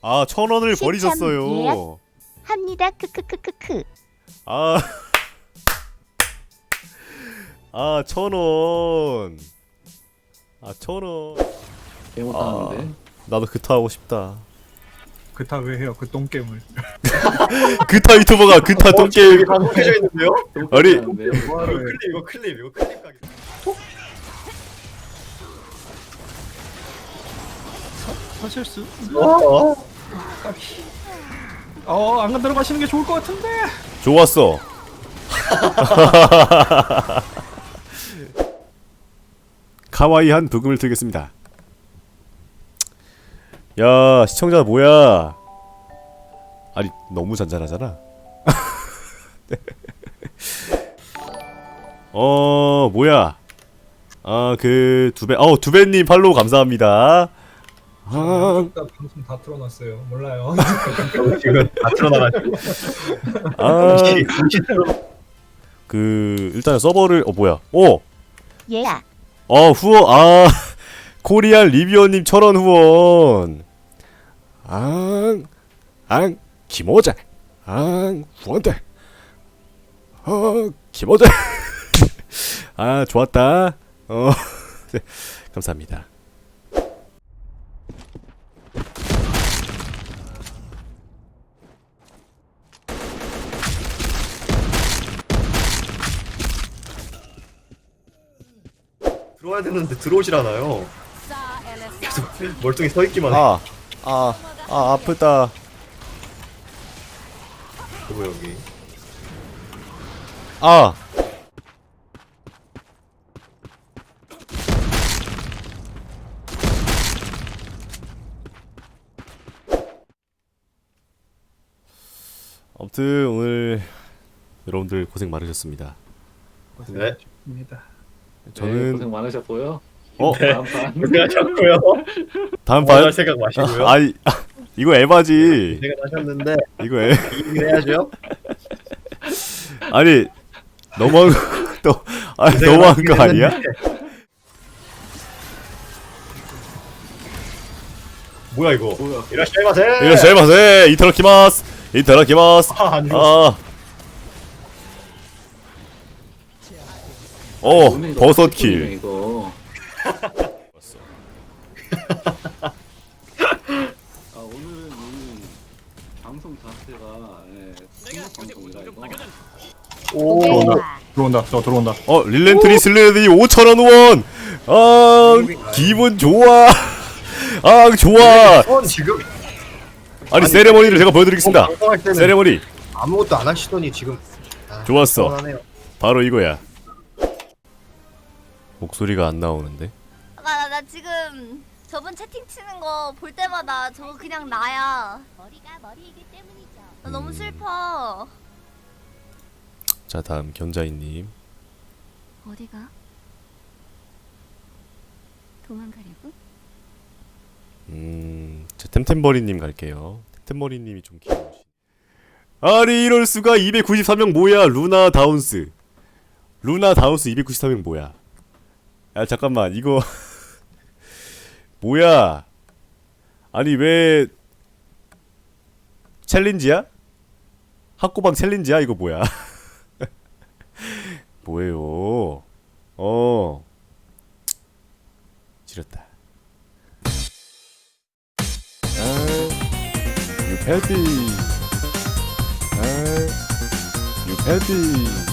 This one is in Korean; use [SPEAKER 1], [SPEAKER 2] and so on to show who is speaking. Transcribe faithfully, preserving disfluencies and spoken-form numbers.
[SPEAKER 1] 아, 천 원을
[SPEAKER 2] 시참
[SPEAKER 1] 버리셨어요.
[SPEAKER 2] 예약. 합니다. 크크크크크.
[SPEAKER 1] 아, 아, 천 원. 아, 천 원.
[SPEAKER 3] 개 못하는데.
[SPEAKER 1] 나도 그타 하고 싶다.
[SPEAKER 4] 그타 왜 해요? 그 똥겜을.
[SPEAKER 1] 그타 유튜버가 그타
[SPEAKER 5] 어,
[SPEAKER 1] 똥게임.
[SPEAKER 5] 여기 방송해져 있는데요?
[SPEAKER 1] 아니.
[SPEAKER 5] 이거 클립 이거 클립 이거 클립 가게.
[SPEAKER 4] 사실수.
[SPEAKER 5] 어?
[SPEAKER 4] 어, 안 들어가시는 게 좋을 것 같은데.
[SPEAKER 1] 좋았어. 카와이한 부금을 틀겠습니다. 야, 시청자 뭐야? 아니, 너무 잔잔하잖아. 어, 뭐야? 아, 그 두배, 어, 두배님 팔로우 감사합니다. 아,
[SPEAKER 6] 일단 방송 다 틀어놨어요. 몰라요.
[SPEAKER 5] 지금 다 틀어놔가지고.
[SPEAKER 1] 아, 그 일단 서버를, 어 뭐야? 오,
[SPEAKER 2] 예약.
[SPEAKER 1] 어 후원, 아 코리안 리뷰어님 천원 후원. 앙, 앙, 김호재, 앙, 후원대. 어, 김호재. 아, 좋았다. 어, 네, 감사합니다.
[SPEAKER 5] 들어와야 되는데 들어오질 않아요. 계속 멀뚱히 서 있기만 해.
[SPEAKER 1] 아, 아, 아, 아프다.
[SPEAKER 5] 그리고 여기.
[SPEAKER 1] 아, 아무튼 오늘 여러분들 고생 많으셨습니다.
[SPEAKER 5] 네.
[SPEAKER 4] 입니다.
[SPEAKER 3] 네,
[SPEAKER 1] 저는
[SPEAKER 3] 고생 많으셨고요.
[SPEAKER 1] 어?
[SPEAKER 3] 다음 판.
[SPEAKER 5] 제가 자꾸요.
[SPEAKER 1] 다음
[SPEAKER 5] 반
[SPEAKER 1] 판
[SPEAKER 5] 생각 마시고요.
[SPEAKER 1] 아, 아이 아, 이거 에바지.
[SPEAKER 5] 제가 하셨는데
[SPEAKER 1] 이거 에
[SPEAKER 5] 이기긴 해야죠.
[SPEAKER 1] 아니 너무한 거, 또 아니
[SPEAKER 5] 제가
[SPEAKER 1] 너무한 거
[SPEAKER 5] 하긴
[SPEAKER 1] 아니야?
[SPEAKER 5] 했는데. 뭐야 이거?
[SPEAKER 3] 뭐야?
[SPEAKER 5] 이라시마세.
[SPEAKER 1] 이라시마세. 이타다키마스. 이타다키마스.
[SPEAKER 5] 아, 안 죽었어.
[SPEAKER 1] 아. 어,
[SPEAKER 3] 오늘
[SPEAKER 1] 버섯
[SPEAKER 3] 이거
[SPEAKER 1] 킬.
[SPEAKER 3] 이거. 아 오늘은 이 방송 자체가 예, 통역 방송이라 이거.
[SPEAKER 5] 오.
[SPEAKER 4] 들어온다. 들어온다. 저 들어온다.
[SPEAKER 1] 어, 릴렌트리 슬레디 오천 원 후원. 아, 기분 좋아. 아, 좋아.
[SPEAKER 5] 선 지금
[SPEAKER 1] 아니, 세레머니를 제가 보여드리겠습니다.
[SPEAKER 5] 방송할 때는
[SPEAKER 1] 세레머니.
[SPEAKER 5] 아무것도 안 하시더니 지금. 아,
[SPEAKER 1] 좋았어.
[SPEAKER 5] 서운하네요.
[SPEAKER 1] 바로 이거야. 목소리가 안 나오는데.
[SPEAKER 7] 나, 나, 나 지금 저분 채팅 치는 거 볼 때마다 저거 그냥 나야.
[SPEAKER 2] 머리가 머리이기 때문이죠.
[SPEAKER 7] 나 너무
[SPEAKER 1] 음.
[SPEAKER 7] 슬퍼.
[SPEAKER 1] 자, 다음 견자이님.
[SPEAKER 2] 어디가? 도망가려고?
[SPEAKER 1] 음, 자, 템템버리님 갈게요. 템템버리님이 좀 귀여우시. 아니 이럴 수가. 이백구십삼 명 뭐야? 루나 다운스. 루나 다운스 이백구십삼 명 뭐야? 야 잠깐만 이거 뭐야? 아니 왜 챌린지야? 학고방 챌린지야? 이거 뭐야? 뭐예요? 어, 지렸다. 아, 유패디. 아, 유패디.